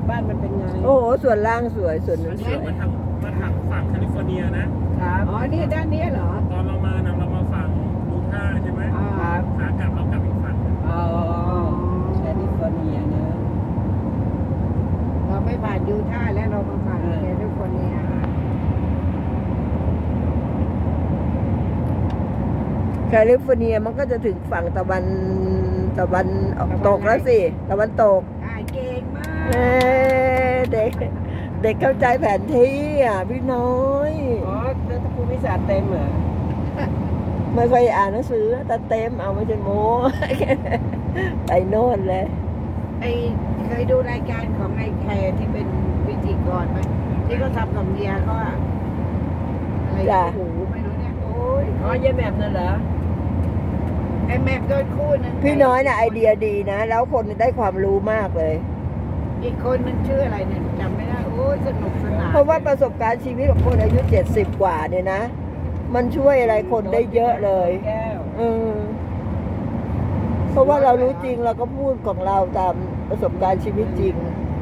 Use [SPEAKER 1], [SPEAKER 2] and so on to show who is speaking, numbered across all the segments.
[SPEAKER 1] บ้านมันเป็นไง
[SPEAKER 2] โอ้โหส่วนล่างสวยส่วนนั้
[SPEAKER 3] อั
[SPEAKER 2] น
[SPEAKER 3] น
[SPEAKER 2] ส
[SPEAKER 3] นี้
[SPEAKER 2] วย
[SPEAKER 3] มาทางฝั่งแคลิฟอร์เนียนะครับ
[SPEAKER 1] อ๋อนี่ด้านนี้เหรอ
[SPEAKER 3] ตอนเรามานะเรามาฝั่งยูทาห์ใช่ไหม
[SPEAKER 1] ครับ
[SPEAKER 3] ขากลับเรากลับอีกฝั่ง
[SPEAKER 1] อ๋อแคลิฟอร์เนียนะ
[SPEAKER 4] เราไม่ผ่านยูทาห์และเรามาผ่านแคลิฟอร์เนีย
[SPEAKER 2] แคลิฟอร์เนียมันก็จะถึงฝั่งตะวันตกแล้วสิตะวันตก
[SPEAKER 4] เก่งมาก
[SPEAKER 2] เอ้เด็กเด็กเข้าใจแผนที่อ่ะพี่น้อย
[SPEAKER 1] อ๋อแล้วถ้าภูมิศาสตร์เต็มเหรอ
[SPEAKER 2] ไม่เคยอ่านหนังสือแต่เต็มเอาไม่ใช่โม้ ไปโน่นเลย
[SPEAKER 4] เคยดูรายการของไอ้แคร์ที่เป็นพิธีกรไหมที่เขาทำกับเมียเขาอะอะไร
[SPEAKER 2] จ้ะ
[SPEAKER 4] หูไม่รู้เนี่ยโอ้ย
[SPEAKER 1] อ๋อเยี่ยแมบนั่นเหรอ
[SPEAKER 4] ไอ้แมปโดนคู่นึง
[SPEAKER 2] พี่น้อยน่ะไอเดียดีนะ แล้วคนได้ความรู้มากเลย
[SPEAKER 4] อีกคนนึงชื่ออะไรเนี่ยจำไม่ได้โอ้ยสนุกสนาน
[SPEAKER 2] เพราะว่าประสบการณ์ชีวิตของคนอายุ70 กว่าเนี่ยนะ มันช่วยอะไรคนได้เยอะเลย
[SPEAKER 1] แก้ว
[SPEAKER 2] เพราะว่าเรารู้จริงเราก็พูดของเราตามประสบการณ์ชีวิตจริง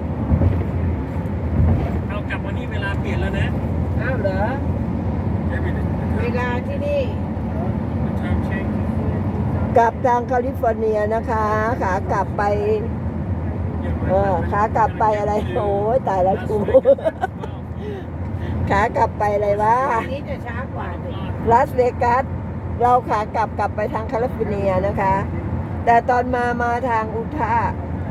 [SPEAKER 3] เรากลับมานี่เวลาเปลี่ยนแล้วนะ
[SPEAKER 1] อ้าวเหรอ
[SPEAKER 4] เวลาที่นี่
[SPEAKER 3] time change
[SPEAKER 2] กลับทางแคลิฟอร์เนียนะคะ ขากลับไป ขากลับไปอะไรโอ้ยตายแล้วกู ขากลับไปอะไรวะ
[SPEAKER 4] วันนี้จะช้ากว่าสิ
[SPEAKER 2] ลาสเวกัสเราขากลับไปทางแคลิฟอร์เนียนะคะ แต่ตอนมาทางยูทาห์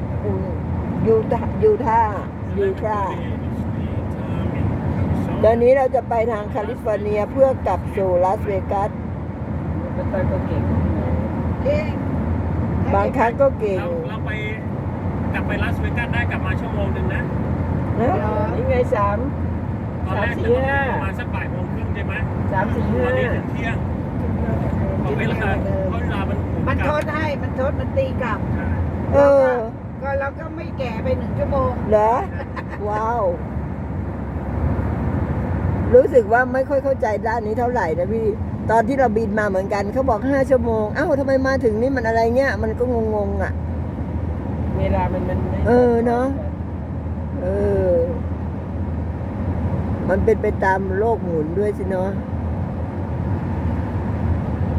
[SPEAKER 2] ตอนนี้เราจะไปทางแคลิฟอร์เนียเพื่อกลับสู่ลาสเวกัส
[SPEAKER 1] แล้วตอนก็เก่ง
[SPEAKER 4] เก่ง
[SPEAKER 2] บางครั้งก็เก่ง
[SPEAKER 3] เราไปกลับไปลาสเวกัสได้กลับมาชั่วโมงนึงนะ
[SPEAKER 2] นะ
[SPEAKER 1] นี่ไง3
[SPEAKER 3] ตอนแรก
[SPEAKER 1] 3 4
[SPEAKER 3] เราประมาณสักบ่ายโมงครึ่งใช่ไหม
[SPEAKER 1] 5 3 4
[SPEAKER 3] ตอนนี้ถึง
[SPEAKER 1] 5
[SPEAKER 3] เที่ยงเพราะเวลา
[SPEAKER 4] มันทดให้มันตีกลับ
[SPEAKER 2] เออ
[SPEAKER 4] ก็เราก็ไม่แก่ไป1 ชั่วโมง
[SPEAKER 2] เหรอว้าว รู้สึกว่าไม่ค่อยเข้าใจด้านนี้เท่าไหร่นะพี่ ตอนที่เราบินมาเหมือนกันเขาบอก5 ชั่วโมงอ้าวทำไมมาถึงนี่มันอะไรเงี้ยมันก็งงอ่ะ
[SPEAKER 1] เวลามันไม่
[SPEAKER 2] เออเนอะ มันเป็นไปตามโลกหมุนด้วยสิเนาะ
[SPEAKER 1] ใ